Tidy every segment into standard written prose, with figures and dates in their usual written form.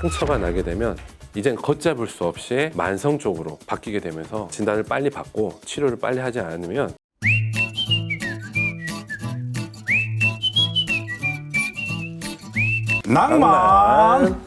상처가 나게 되면 이젠 걷잡을 수 없이 만성 쪽으로 바뀌게 되면서 진단을 빨리 받고 치료를 빨리 하지 않으면 낭만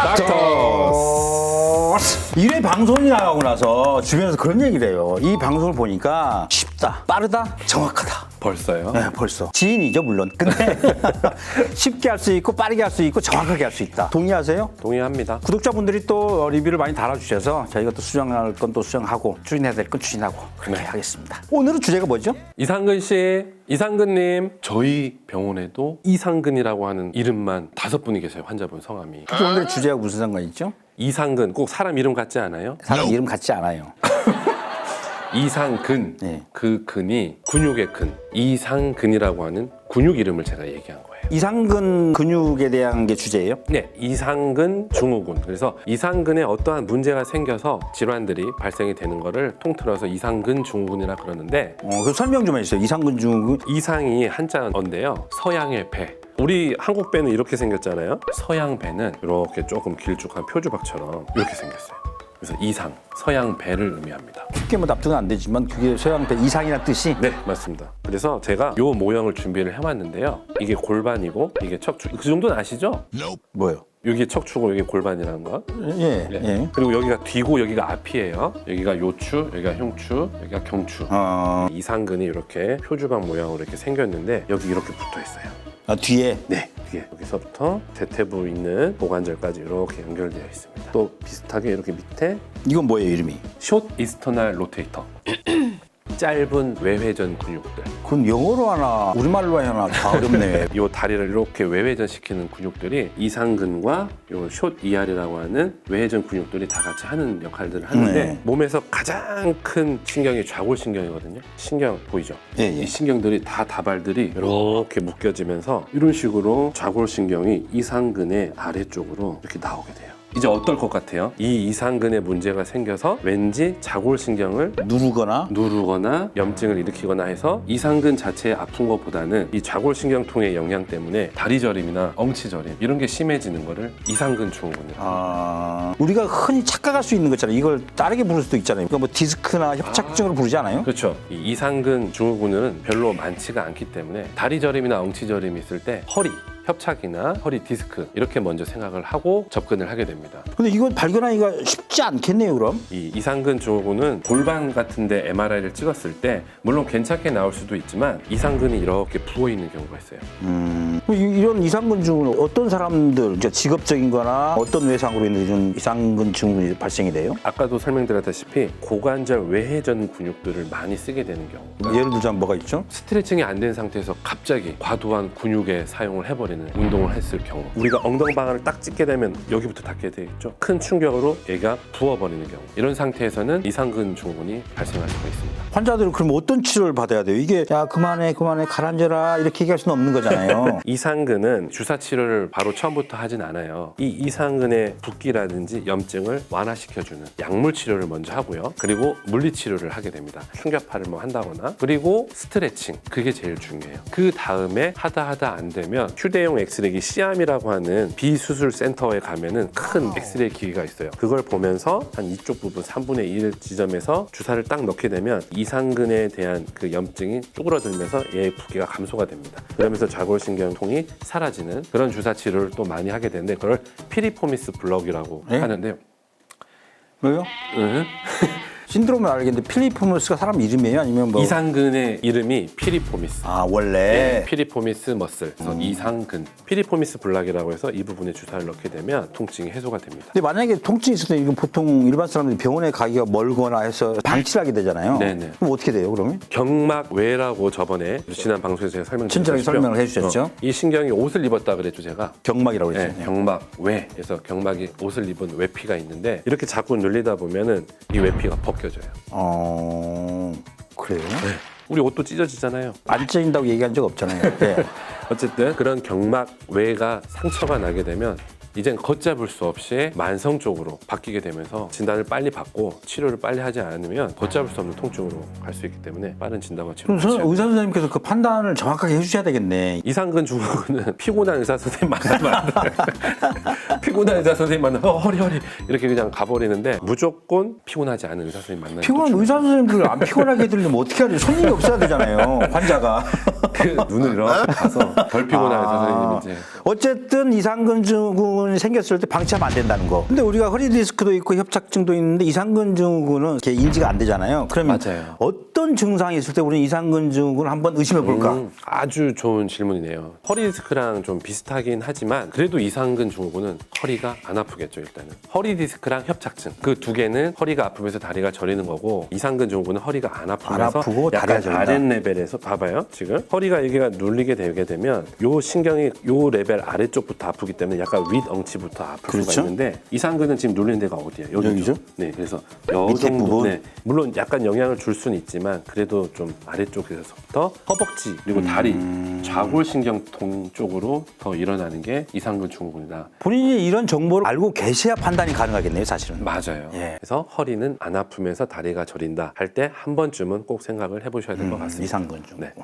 닥터 1회 방송이 나가고 나서 주변에서 그런 얘기를 해요. 이 방송을 보니까 쉽다, 빠르다, 정확하다. 벌써요? 네, 벌써. 지인이죠, 물론. 근데 쉽게 할 수 있고 빠르게 할 수 있고 정확하게 할 수 있다. 동의하세요? 동의합니다. 구독자분들이 또 리뷰를 많이 달아주셔서 저희가 또 수정할 건 또 수정하고 추진해야 될 건 추진하고 그렇게 하겠습니다. 오늘은 주제가 뭐죠? 이상근 씨, 이상근님, 저희 병원에도 이상근이라고 하는 이름만 5분이 계세요. 환자분 성함이. 혹시 오늘의 주제와 무슨 상관이 있죠? 이상근, 꼭 사람 이름 같지 않아요? 사람 이름 같지 않아요. 이상근, 네. 그 근이 근육의 근, 이상근이라고 하는 근육 이름을 제가 얘기한 거예요. 이상근 근육에 대한 게 주제예요? 네, 이상근 증후군. 그래서 이상근에 어떠한 문제가 생겨서 질환들이 발생이 되는 거를 통틀어서 이상근 증후군이라 그러는데 그 설명 좀 해주세요. 이상근 증후군. 이상이 한자어인데요. 서양의 배. 우리 한국 배는 이렇게 생겼잖아요. 서양 배는 이렇게 조금 길쭉한 표주박처럼 이렇게 생겼어요. 그래서 이상, 서양 배를 의미합니다. 쉽게 뭐 납득은 안 되지만 그게 서양배 이상이라는 뜻이? 네, 맞습니다. 그래서 제가 이 모형을 준비를 해왔는데요. 이게 골반이고 이게 척추. 그 정도는 아시죠? 뭐요? 여기 척추고 여기 골반이라는 거. 예, 네. 예. 그리고 여기가 뒤고 여기가 앞이에요. 여기가 요추, 여기가 흉추, 여기가 경추. 이상근이 이렇게 표주박 모양으로 이렇게 생겼는데 여기 이렇게 붙어 있어요. 아, 뒤에? 네, 뒤에 여기서부터 대퇴부 있는 고관절까지 이렇게 연결되어 있습니다. 또 비슷하게 이렇게 밑에 이건 뭐예요, 이름이? 숏 이스터널 로테이터. 짧은 외회전 근육들. 그건 영어로 하나 우리말로 하나 다 어렵네. 이 다리를 이렇게 외회전시키는 근육들이 이상근과 요 숏 이알이라고 하는 외회전 근육들이 다 같이 하는 역할들을 하는데 네. 몸에서 가장 큰 신경이 좌골신경이거든요. 신경 보이죠? 예, 예. 이 신경들이 다 다발들이 이렇게 묶여지면서 이런 식으로 좌골신경이 이상근의 아래쪽으로 이렇게 나오게 돼요. 이제 어떨 것 같아요? 이 이상근에 문제가 생겨서 왠지 좌골신경을 누르거나 염증을 일으키거나 해서 이상근 자체에 아픈 것보다는 이 좌골신경통의 영향 때문에 다리저림이나 엉치저림 이런 게 심해지는 거를 이상근 증후군이라고 우리가 흔히 착각할 수 있는 거 있잖아요. 이걸 다르게 부를 수도 있잖아요. 그러니까 뭐 디스크나 협착증으로 부르지 않아요? 그렇죠. 이 이상근 증후군은 별로 많지가 않기 때문에 다리저림이나 엉치저림이 있을 때 허리 협착이나 허리 디스크 이렇게 먼저 생각을 하고 접근을 하게 됩니다. 근데 이건 발견하기가 쉽지 않겠네요, 그럼? 이 이상근 증후군은 골반 같은데 MRI를 찍었을 때 물론 괜찮게 나올 수도 있지만 이상근이 이렇게 부어 있는 경우가 있어요. 이런 이상근 증후군은 어떤 사람들, 직업적인 거나 어떤 외상으로 인해 이런 이상근 증후군이 발생이 돼요? 아까도 설명드렸다시피 고관절 외회전 근육들을 많이 쓰게 되는 경우. 예를 들자면 뭐가 있죠? 스트레칭이 안 된 상태에서 갑자기 과도한 근육의 사용을 해버리는 운동을 했을 경우 우리가 엉덩방아를 딱 찍게 되면 여기부터 닿게 되겠죠. 큰 충격으로 얘가 부어버리는 경우 이런 상태에서는 이상근 증후군이 발생할 수가 있습니다. 환자들은 그럼 어떤 치료를 받아야 돼요? 이게 야 그만해 가라앉아라 이렇게 얘기할 수는 없는 거잖아요. 이상근은 주사 치료를 바로 처음부터 하진 않아요. 이 이상근의 붓기라든지 염증을 완화시켜주는 약물 치료를 먼저 하고요. 그리고 물리 치료를 하게 됩니다. 충격파를 뭐 한다거나 그리고 스트레칭 그게 제일 중요해요. 그 다음에 하다 안 되면 휴대용 엑스레이 시암이라고 하는 비수술 센터에 가면은 큰 엑스레이 기기가 있어요. 그걸 보면서 한 이쪽 부분 3분의 1 지점에서 주사를 딱 넣게 되면 이상근에 대한 그 염증이 쪼그라들면서 얘의 붓기가 감소가 됩니다. 그러면서 좌골신경통이 사라지는 그런 주사 치료를 또 많이 하게 되는데 그걸 피리포미스 블럭이라고 하는데요. 왜요? 신드롬을 알겠는데 필리포머스가 사람 이름이에요? 아니면 뭐? 이상근의 이름이 피리포미스. 아 원래? 피리포미스 머슬. 그래서 이상근. 피리포미스 블락이라고 해서 이 부분에 주사를 넣게 되면 통증이 해소가 됩니다. 근데 만약에 통증이 있을 때 이거 보통 일반 사람들이 병원에 가기가 멀거나 해서 방치를 하게 되잖아요. 네네. 그럼 어떻게 돼요 그러면? 경막외라고 저번에 지난 방송에서 제가 친절하게 설명을 해주셨죠. 이 신경이 옷을 입었다 그랬죠 제가. 경막이라고 했죠. 네, 경막외에서 경막이 옷을 입은 외피가 있는데 이렇게 자꾸 눌리다 보면은 이 외피가 벗겨져요. 그래요? 네. 우리 옷도 찢어지잖아요. 안 찢어진다고 얘기한 적 없잖아요. 네. 어쨌든 그런 경막외가 상처가 나게 되면 이젠 걷잡을 수 없이 만성 쪽으로 바뀌게 되면서 진단을 빨리 받고 치료를 빨리 하지 않으면 걷잡을 수 없는 통증으로 갈 수 있기 때문에 빠른 진단과 그럼 치료를 의사 선생님께서 그 판단을 정확하게 해주셔야 되겠네. 이상근 증후군은 피곤한 의사 선생님 만나면 안 돼. 피곤한 의사 선생님 만나면 허리 이렇게 그냥 가버리는데 무조건 피곤하지 않은 의사 선생님 만나는 피곤한 의사 선생님들 안 피곤하게 해드리려면 어떻게 하지? 손님이 없어야 되잖아요. 환자가. 그 눈을 이렇게 가서 덜 피곤한 의사 선생님이 이제 어쨌든 이상근 증후군이 생겼을 때 방치하면 안 된다는 거. 근데 우리가 허리 디스크도 있고 협착증도 있는데 이상근 증후군은 이렇게 인지가 안 되잖아요. 그러면 맞아요. 어떤 증상이 있을 때 우리는 이상근 증후군을 한번 의심해 볼까? 아주 좋은 질문이네요. 허리 디스크랑 좀 비슷하긴 하지만 그래도 이상근 증후군은 허리가 안 아프겠죠. 일단은 허리 디스크랑 협착증 그 두 개는 허리가 아프면서 다리가 저리는 거고 이상근 증후군은 허리가 안 아프면서 아프고 다리가 약간 저린다. 아랫레벨에서 봐봐요. 지금 허리가 여기가 눌리게 되게 되면 요 신경이 요 레벨 아래쪽부터 아프기 때문에 약간 윗엉치부터 아플 그렇죠? 수가 있는데 이상근은 지금 눌리는 데가 어디예요? 여기죠? 네, 그래서 요 밑에 정도, 부분? 네, 물론 약간 영향을 줄 수는 있지만 그래도 좀 아래쪽에서부터 허벅지 그리고 다리 좌골신경통 쪽으로 더 일어나는 게 이상근 증후군이다. 본인이 이런 정보를 알고 계셔야 판단이 가능하겠네요, 사실은. 맞아요. 예. 그래서 허리는 안 아프면서 다리가 저린다 할 때 한 번쯤은 꼭 생각을 해보셔야 될 것 같습니다. 이상근 증후군. 네.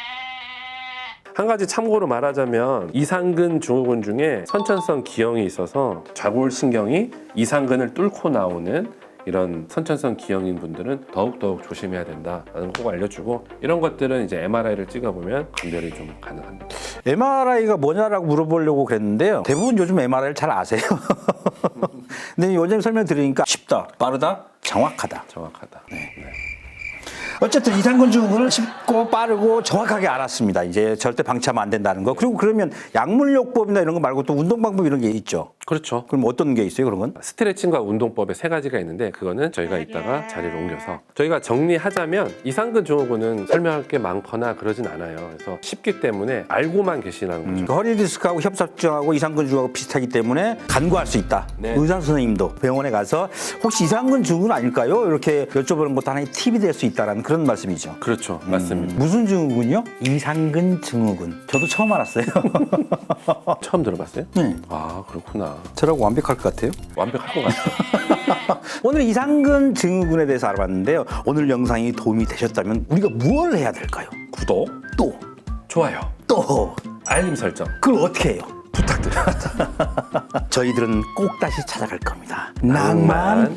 한 가지 참고로 말하자면 이상근 증후군 중에 선천성 기형이 있어서 좌골신경이 이상근을 뚫고 나오는 이런 선천성 기형인 분들은 더욱더욱 조심해야 된다라는 거 꼭 알려주고 이런 것들은 이제 MRI를 찍어보면 감별이 좀 가능합니다. MRI가 뭐냐라고 물어보려고 그랬는데요. 대부분 요즘 MRI를 잘 아세요. 근데 요즘 설명 드리니까 쉽다, 빠르다, 정확하다. 정확하다. 어쨌든 이상근 증후군을 쉽고 빠르고 정확하게 알았습니다. 이제 절대 방치하면 안 된다는 거. 그리고 그러면 약물요법이나 이런 거 말고 또 운동 방법 이런 게 있죠. 그렇죠. 그럼 어떤 게 있어요, 그런 건? 스트레칭과 운동법에 세 가지가 있는데 그거는 저희가 이따가 자리를 옮겨서 저희가 정리하자면 이상근 증후군은 설명할 게 많거나 그러진 않아요. 그래서 쉽기 때문에 알고만 계시라는 거죠. 허리 디스크하고 협착증하고 이상근 증후군하고 비슷하기 때문에 간구할 수 있다. 네. 의사 선생님도 병원에 가서 혹시 이상근 증후군 아닐까요? 이렇게 여쭤보는 것도 하나의 팁이 될 수 있다라는 그런 말씀이죠. 그렇죠. 맞습니다. 무슨 증후군이요? 이상근 증후군. 저도 처음 알았어요. 처음 들어봤어요? 네. 아, 그렇구나. 저라고 완벽할 것 같아요. 완벽할 것 같아요. 오늘 이상근 증후군에 대해서 알아봤는데요. 오늘 영상이 도움이 되셨다면 우리가 무엇을 해야 될까요? 구독, 또, 좋아요, 또, 알림 설정 그걸 어떻게 해요? 부탁드립니다. 저희들은 꼭 다시 찾아갈 겁니다. 낭만 낭만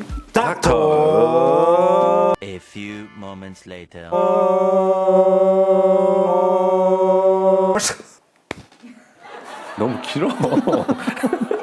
닥터. A few moments later. 너무 길어.